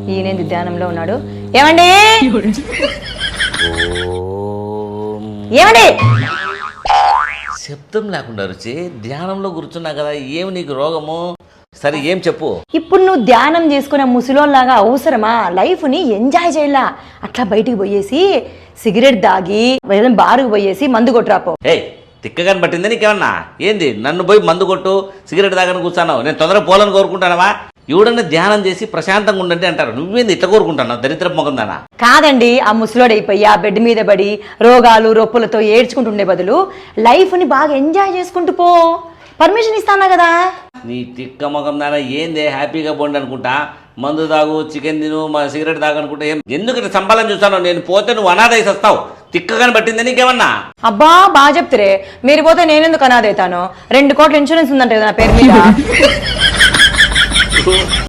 ఈయనేంది ధ్యానంలో ఉన్నాడు. ఏమండి ఏమండి శబ్దం లేకుండా రుచి ధ్యానంలో కూర్చున్నా కదా, ఏమి నీకు రోగము? సరే ఏం చెప్పు. ఇప్పుడు నువ్వు ధ్యానం చేసుకునే ముసలోళ్ళలాగా అవసరమా? లైఫ్ని ఎంజాయ్ చేయాల. అట్లా బయటికి పోయేసి సిగరెట్ దాగి బారుకు పోయేసి మందు కొట్టురాపో. ఏయ్ తిక్కగాని పట్టింది నీకేమన్నా? ఏంది నన్ను పోయి మందు కొట్టు సిగరెట్ దాగని కూర్చున్నావు? నేను తొందరగా పోలని కోరుకుంటానవా? ఎవడన్నా ధ్యానం చేసి ప్రశాంతంగా ఉండండి అంటారు, నువ్వేంది ఇట్లా కోరుకుంటున్నావు? దరిద్ర మొగందానా. కాదండి, ఆ ముసలోడైపోయి ఆ బెడ్ మీద పడి రోగాలు రొప్పులతో ఏడ్చుకుంటుండే బదులు లైఫ్ని బాగా ఎంజాయ్ చేసుకుంటూ పో. పర్మిషన్ ఇస్తానా కదా. నీ తిక్క మొగం దానా ఏందే? హ్యాపీగా పోండి అనుకుంటా, మందు తాగు చికెన్ తిను మా సిగరెట్ తాగనుకుంటా. ఎందుకంటే సంపాదన చూస్తాను, నేను పోతే నువ్వు అనాథైసి వస్తావు. తిక్కగాని పట్టింది నీకేమన్నా? అబ్బా బాగా చెప్తారే, మీరు పోతే నేనెందుకు అనాథ అవుతాను? 2 కోట్ల ఇన్సూరెన్స్ ఉందంటే కదా నా పేరు మీద.